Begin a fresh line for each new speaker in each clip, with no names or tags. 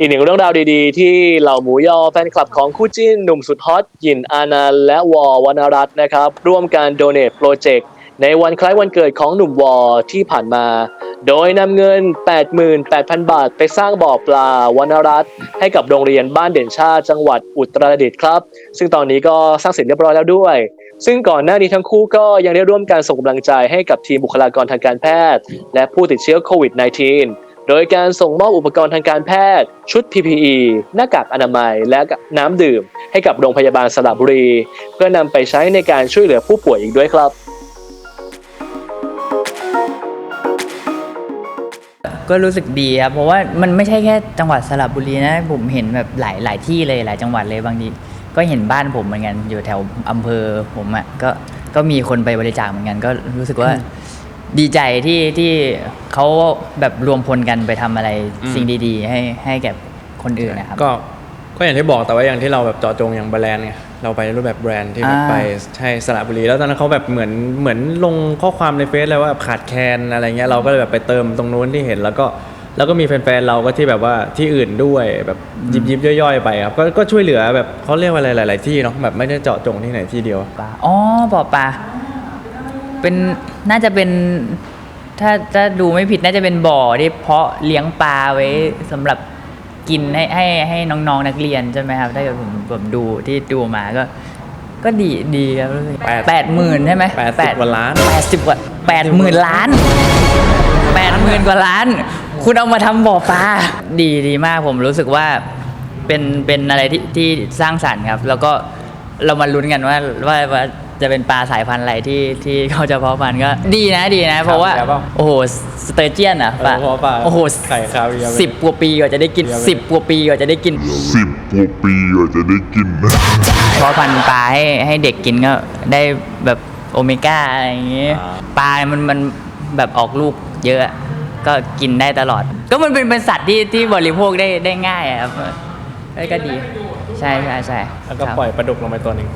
อีกหนึ่งเรื่องราวดีๆที่เหล่าหมูยอแฟนคลับของคู่จิ้นหนุ่มสุดฮอตหยินอานันต์และวอวรรณรัตน์นะครับร่วมการ Donate Project ในวันคล้ายวันเกิดของหนุ่มวอที่ผ่านมาโดยนำเงิน 88,000 บาทไปสร้างบ่อปลาวรรณรัตน์ให้กับโรงเรียนบ้านเด่นชาติจังหวัดอุตรดิตถ์ครับซึ่งตอนนี้ก็สร้างเสร็จเรียบร้อยแล้วด้วยซึ่งก่อนหน้านี้ทั้งคู่ก็ยังได้ร่วมการส่งกำลังใจให้กับทีมบุคลากรทางการแพทย์และผู้ติดเชื้อโควิด -19 โดยการส่งมอบอุปกรณ์ทางการแพทย์ชุด PPE หน้ากากอนามัยและน้ำดื่มให้กับโรงพยาบาลสระบุรีเพื่อนำไปใช้ในการช่วยเหลือผู้ป่วยอีกด้วยครับ
ก็รู้สึกดีครับเพราะว่ามันไม่ใช่แค่จังหวัดสระบุรีนะผมเห็นแบบหลายที่เลยหลายจังหวัดเลยบางทีก็เห็นบ้านผมเหมือนกันอยู่แถวอำเภอผมอ่ะก็มีคนไปบริจาคเหมือนกันก็รู้สึกว่าดีใจที่เขาแบบรวมพลกันไปทำอะไรสิ่งดีๆให้แก่คนอื่นนะครับ
ก็อย่างที่บอกแต่ว่าอย่างที่เราแบบเจาะจงอย่างแบรนด์ไงเราไปรูปแบบแบรนด์ที่แบบไปใช่สระบุรีแล้วตอนนั้นเขาแบบเหมือนลงข้อความในเฟซเลยว่าขาดแคลนอะไรเงี้ยเราก็เลยแบบไปเติมตรงนู้นที่เห็นแล้วก็มีแฟนๆเราก็ที่แบบว่าที่อื่นด้วยแบบยิบย่อยๆไปครับก็ช่วยเหลือแบบเขาเรียกว่าอะไรหลายๆที่เนาะแบบไม่ได้เจาะจงที่ไหนที่เดียว
อ๋อบ่อปลาเป็นน่าจะเป็นถ้าดูไม่ผิดน่าจะเป็นบ่อที่เพาะเลี้ยงปลาไว้สำหรับกินให้น้องๆนักเรียนใช่ไหมครับถ้าเกิดผมดูที่ดูมาก็ดีครับ80,000ใช่ไหม
80 กว่าล้าน
80 กว่า80,000 ล้าน80,000 กว่าล้านคุณเอามาทำบ่อปลาดีมากผมรู้สึกว่าเป็นอะไรที่สร้างสรรค์ครับแล้วก็เรามาลุ้นกันว่าจะเป็นปลาสายพันธุ์อะไรที่เขาจะเพาะพันธุ์ก็ดีนะเพราะว่าโอ้โหสเตอร์เจียนอ่ะปลาโอ้โห
ไข่คาเวียร์
10 กว่าปีกว่าจะได้กิน10 กว่าปีกว่าจะได้กินเพราะพันธุ์ปลาให้เด็กกินก็ได้แบบโอเมก้าอะไรอย่างงี้ปลามันแบบออกลูกเยอะก็กินได้ตลอดก็มันเป็นสัตว์ที่บริโภคได้ง่ายครับก็ดีใช่
แล้วก็ปล่อยปลาดุกลงไปตัวนึง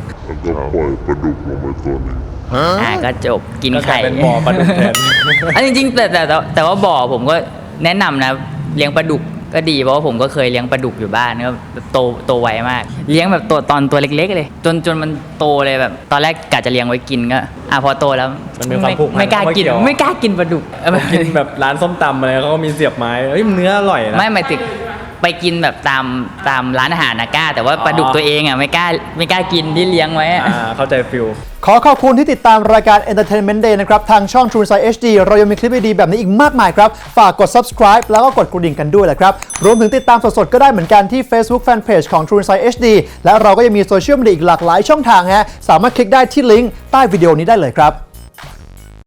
ก็จบกินไข่
เป็นบ่อปลาดุกแทน
จริงๆแต่ว่าบ่อผมก็แนะนำนะเลี้ยงปลาดุกก็ดีเพราะว่าผมก็เคยเลี้ยงปลาดุกอยู่บ้านก็โตไวมากเลี้ยงแบบตัวเล็กๆเลยจนมันโตเลยแบบตอนแรกกะจะเลี้ยงไว้กินก็พอโตแล้ว
มันมีความผูกพัน
ไม่กล้ากินปลาดุก
กินแบบร้านส้มตำอะไรเขาก็มีเสียบไม้เนื้ออร่อยนะ
ไม่หมายถึงไปกินแบบตามร้านอาหารนะกล้าแต่ว่าปลาดุกตัวเองอ่ะไม่กล้ากินที่เลี้ยงไว้
เข้าใจฟิล
ขอขอบคุณที่ติดตามรายการ Entertainment Day นะครับทางช่อง True Insight HD เรายังมีคลิปดีๆแบบนี้อีกมากมายครับฝากกด subscribe แล้วก็กดกระดิ่งกันด้วยแหละครับรวมถึงติดตามสดๆก็ได้เหมือนกันที่ Facebook Fanpage ของ True Insight HD และเราก็ยังมีโซเชียลมีเดียอีกหลากหลายช่องทางฮะสามารถคลิกได้ที่ลิงก์ใต้วิดีโอนี้ได้เลยครับ